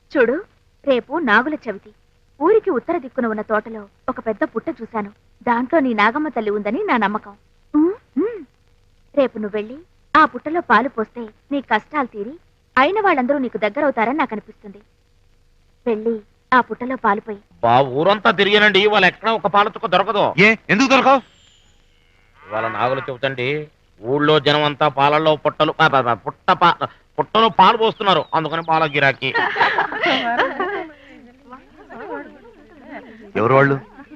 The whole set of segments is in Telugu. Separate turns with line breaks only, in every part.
చూడు, రేపు నాగుల చవితి. ఊరికి ఉత్తర దిక్కున ఉన్న తోటలో ఒక పెద్ద పుట్ట చూశాను. దాంట్లో నీ నాగమ్మ తల్లి ఉందని నా నమ్మకం. రేపు నువ్వు వెళ్ళి ఆ పుట్టలో పాలు పోస్తే నీ కష్టాలు తీరి అయిన వాళ్ళందరూ నీకు దగ్గరవుతారని నాకు అనిపిస్తుంది. వెళ్ళి ఆ పుట్టలో పాలు పోయి.
ఊరంతా తిరిగానండి, వాళ్ళు ఎక్కడ ఒక పాల చుక్క దొరకదు.
ఎందుకు దొరకవు?
వాళ్ళ నాగులు చెబుతండి, ఊళ్ళో జనం అంతా పాలల్లో పుట్టలో పాలు పోస్తున్నారు, అందుకని పాల గిరాకీ.
ఎవరు వాళ్ళు?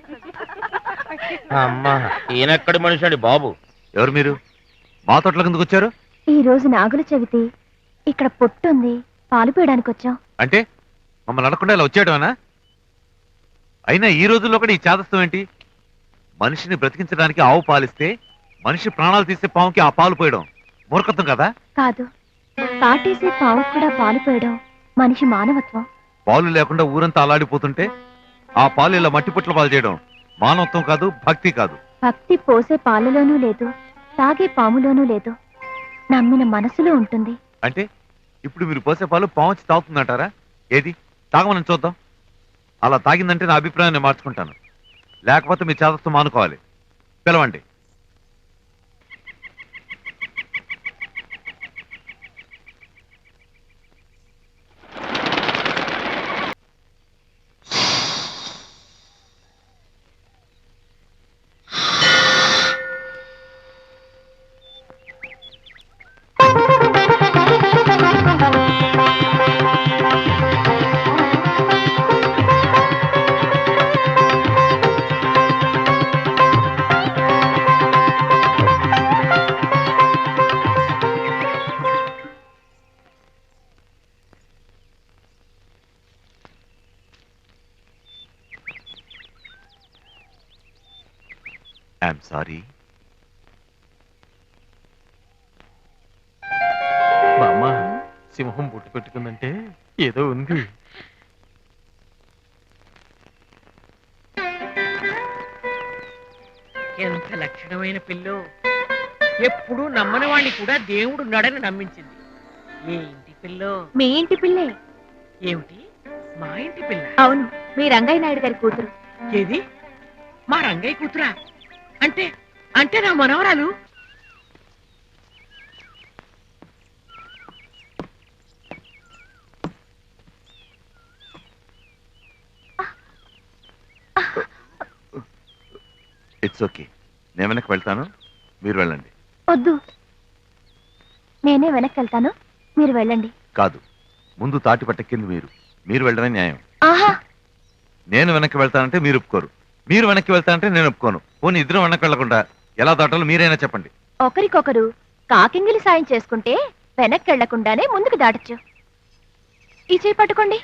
అమ్మా, ఈయనెక్కడి మనిషి అండి బాబు?
ఎవరు మీరు? మా తోటలోకి ఎందుకు వచ్చారు?
ఈ రోజు నాగుల చవితి, ఇక్కడ పొట్టుంది, పాలు పోయడానికి వచ్చాం.
అంటే మమ్మల్ని అడగకుండా ఇలా వచ్చేయడమేనా? అయినా ఈ రోజుల్లో కూడా ఈ చాదస్తం ఏంటి? మనిషిని బ్రతికించడానికి ఆవు పాలిస్తే మనిషి ప్రాణాలు తీసే పావుకి ఆ పాలు పోయడం మూర్ఖత్వం కదా?
కాదు, పాటేసే పావు కూడా పాలు పోయడం మనిషి మానవత్వం.
పాలు లేకుండా ఊరంతా అలాడిపోతుంటే ఆ పాలు ఇలా మట్టి పుట్ల పాలు చేయడం మానవత్వం కాదు, భక్తి కాదు.
భక్తి పోసే పాలలోనూ లేదు, తాగే పాములోనూ లేదు, నమ్మిన మనసులో ఉంటుంది.
అంటే ఇప్పుడు మీరు పోసే పాలు పావుచి తాగుతుందంటారా? ఏది తాగమని చూద్దాం. అలా తాగిందంటే నా అభిప్రాయాన్ని మార్చుకుంటాను, లేకపోతే మీ చాదస్తం మానుకోవాలి. పిలవండి. I'm sorry.
బామ్మ, సింహం బుట్టు పెట్టుకుందంటే ఏదో ఉంది.
ఎంత లక్షణమైన పిల్లో! ఎప్పుడు నమ్మని వాణ్ణి కూడా దేవుడు నడని నమ్మించింది. ఏ ఇంటి పిల్లో?
మీ ఇంటి పిల్లే.
ఏమిటి, మా ఇంటి పిల్ల?
అవును, మీ రంగయ్య నాయుడు గారి కూతురు.
ఏది, మా రంగయ్య కూతురా? అంటే అంటే నా మనవరాలు?
ఇట్స్ ఓకే, నేను వెనక్కి వెళ్తాను, మీరు వెళ్ళండి.
వద్దు, నేనే వెనక్కి వెళ్తాను, మీరు వెళ్ళండి.
కాదు, ముందు తాటి పట్టెక్కింది మీరు వెళ్ళడమే న్యాయం.
ఆహా,
నేను వెనక్కి వెళ్తానంటే మీరు ఒప్పుకోరు, మీరు వెనక్కి వెళ్తానంటే నేను ఒప్పుకోను. పోనీ ఇద్దరం వెనక్కి వెళ్లకుండా ఎలా దాటాలో మీరైనా చెప్పండి.
ఒకరికొకరు కాకింగిలి సాయం చేసుకుంటే వెనక్కి వెళ్లకుండానే ముందుకు దాటచ్చు. ఈ చేయి పట్టుకోండి.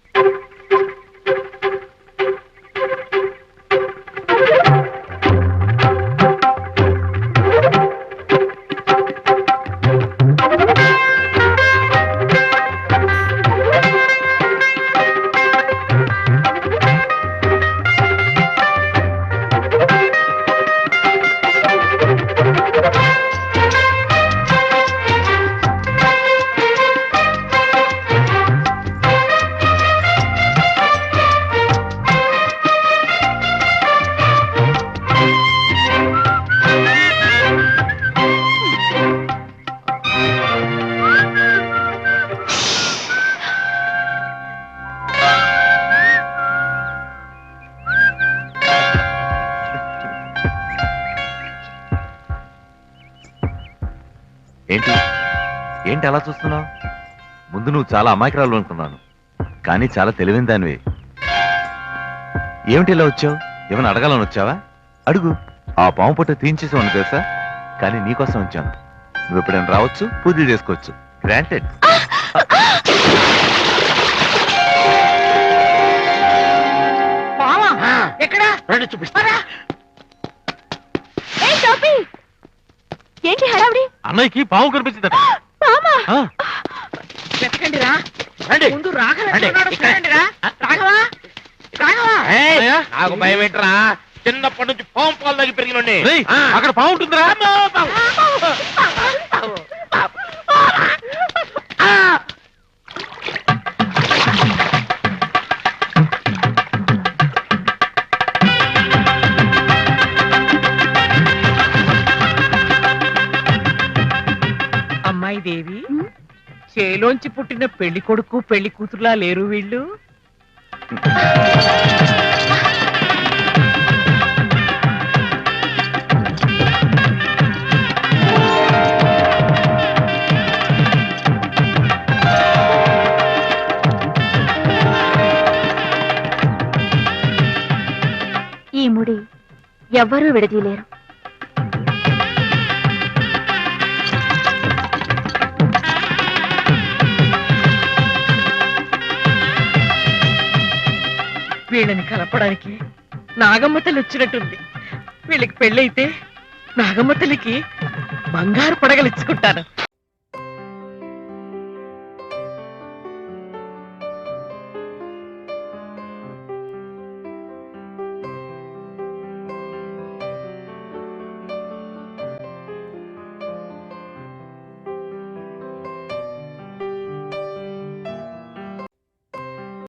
ఏంటి ఏంటి అలా చూస్తున్నావు? ముందు నువ్వు చాలా అమాయకురాలు అనుకున్నాను, కానీ చాలా తెలివైన దానివే. ఏమిటి ఇలా వచ్చావు? ఏమైనా అడగాలని వచ్చావా? అడుగు. ఆ పాము పుట్ట తీయించేసామని తెలుసా, కానీ నీకోసం వచ్చాను. నువ్వు ఎప్పుడైనా రావచ్చు, పూజలు చేసుకోవచ్చు. గ్రాంటెడ్.
చూపిస్తారా?
ఏంటి హడావుడి?
అన్నయ్యకి పాము కనిపించిందట.
వెతకండి రా. ముందు రాఘవా,
నాకు భయం ఏంట్రా? చిన్నప్పటి నుంచి పాము పాలు తగ్గి పెరిగినండి.
అక్కడ పాము ఉంటుందిరా.
చేలోంచి పుట్టిన పెళ్లి కొడుకు పెళ్లి కూతురులా లేరు వీళ్ళు.
ఈ ముడి ఎవ్వరూ విడదీయలేరు.
వీళ్ళని కలపడానికి నాగమ్మ తల్లి వచ్చినట్టుంది. వీళ్ళకి పెళ్ళైతే నాగమ్మ తల్లికి బంగారు పడగలు ఇచ్చుకుంటాను.